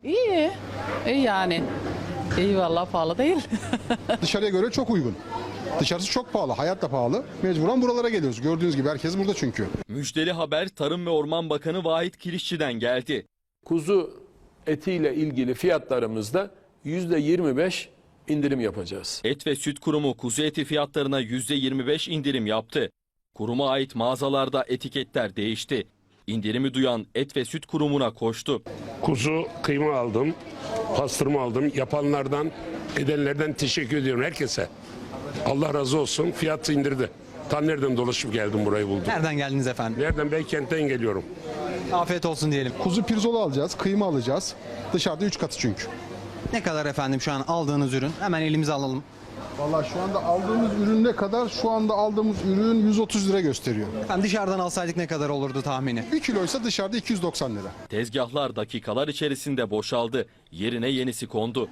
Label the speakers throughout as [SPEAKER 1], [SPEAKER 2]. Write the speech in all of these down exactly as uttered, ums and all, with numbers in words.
[SPEAKER 1] İyi, iyi yani. İyi vallahi pahalı değil.
[SPEAKER 2] Dışarıya göre çok uygun. Dışarısı çok pahalı, hayat da pahalı. Mecburen buralara geliyoruz. Gördüğünüz gibi herkes burada çünkü.
[SPEAKER 3] Müjdeli haber Tarım ve Orman Bakanı Vahit Kirişçi'den geldi.
[SPEAKER 4] Kuzu etiyle ilgili fiyatlarımızda yüzde yirmi beş indirim yapacağız.
[SPEAKER 3] Et ve Süt Kurumu kuzu eti fiyatlarına yüzde yirmi beş indirim yaptı. Kuruma ait mağazalarda etiketler değişti. İndirimi duyan Et ve Süt Kurumu'na koştu.
[SPEAKER 5] Kuzu kıyma aldım, pastırma aldım. Yapanlardan, edenlerden teşekkür ediyorum herkese. Allah razı olsun. Fiyat indirdi. Tam nereden dolaşıp geldim burayı buldum.
[SPEAKER 6] Nereden geldiniz efendim?
[SPEAKER 5] Nereden? Beykent'ten geliyorum.
[SPEAKER 6] Afiyet olsun diyelim.
[SPEAKER 2] Kuzu pirzola alacağız, kıyma alacağız. Dışarıda üç katı çünkü.
[SPEAKER 6] Ne kadar efendim şu an aldığınız ürün? Hemen elimize alalım.
[SPEAKER 2] Vallahi şu anda aldığımız ürün ne kadar? Şu anda aldığımız ürün yüz otuz lira gösteriyor.
[SPEAKER 6] Efendim dışarıdan alsaydık ne kadar olurdu tahmini?
[SPEAKER 2] bir kiloysa dışarıda iki yüz doksan lira.
[SPEAKER 3] Tezgahlar dakikalar içerisinde boşaldı. Yerine yenisi kondu.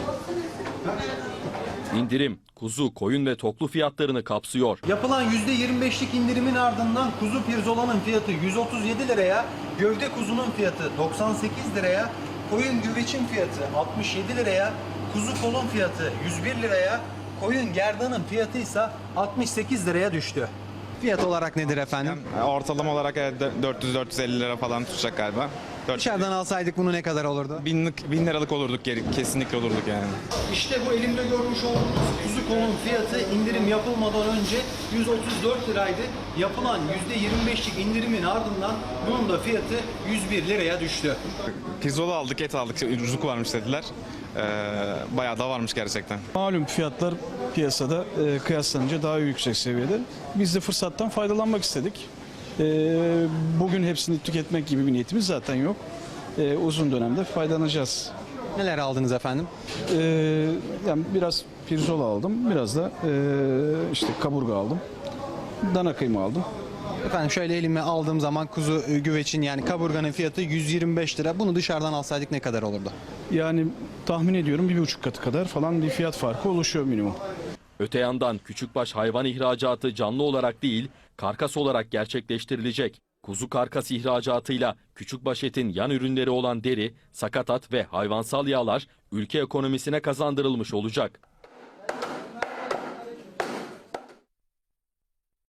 [SPEAKER 3] İndirim kuzu, koyun ve toklu fiyatlarını kapsıyor.
[SPEAKER 7] Yapılan yüzde yirmi beşlik indirimin ardından kuzu pirzolanın fiyatı yüz otuz yedi liraya, gövde kuzunun fiyatı doksan sekiz liraya, koyun güveçin fiyatı altmış yedi liraya, kuzu kolun fiyatı yüz bir liraya, koyun gerdanın fiyatı ise altmış sekiz liraya düştü.
[SPEAKER 6] Fiyat olarak nedir efendim?
[SPEAKER 8] Ortalama olarak dört yüz dört yüz elli lira falan tutacak galiba.
[SPEAKER 6] Dışarıdan alsaydık bunu ne kadar olurdu?
[SPEAKER 8] Binlik, bin liralık olurduk, kesinlikle olurduk yani.
[SPEAKER 7] İşte bu elimde görmüş olduğunuz kuzu kolun fiyatı indirim yapılmadan önce yüz otuz dört liraydı. Yapılan yüzde yirmi beşlik indirimin ardından bunun da fiyatı yüz bir liraya düştü.
[SPEAKER 8] Pirzola aldık, et aldık, ucuzluk varmış dediler. Ee, bayağı da varmış gerçekten.
[SPEAKER 9] Malum fiyatlar piyasada e, kıyaslanınca daha yüksek seviyede. Biz de fırsattan faydalanmak istedik. E, bugün hepsini tüketmek gibi bir niyetimiz zaten yok. E, uzun dönemde faydalanacağız.
[SPEAKER 6] Neler aldınız efendim?
[SPEAKER 9] E, yani biraz pirzola aldım, biraz da e, işte kaburga aldım. Dana kıyma aldım.
[SPEAKER 6] Efendim şöyle elime aldığım zaman kuzu e, güveçin yani kaburganın fiyatı yüz yirmi beş lira. Bunu dışarıdan alsaydık ne kadar olurdu?
[SPEAKER 9] Yani tahmin ediyorum bir buçuk katı kadar falan bir fiyat farkı oluşuyor minimum.
[SPEAKER 3] Öte yandan küçükbaş hayvan ihracatı canlı olarak değil, karkas olarak gerçekleştirilecek. Kuzu karkas ihracatıyla küçükbaş etin yan ürünleri olan deri, sakatat ve hayvansal yağlar ülke ekonomisine kazandırılmış olacak.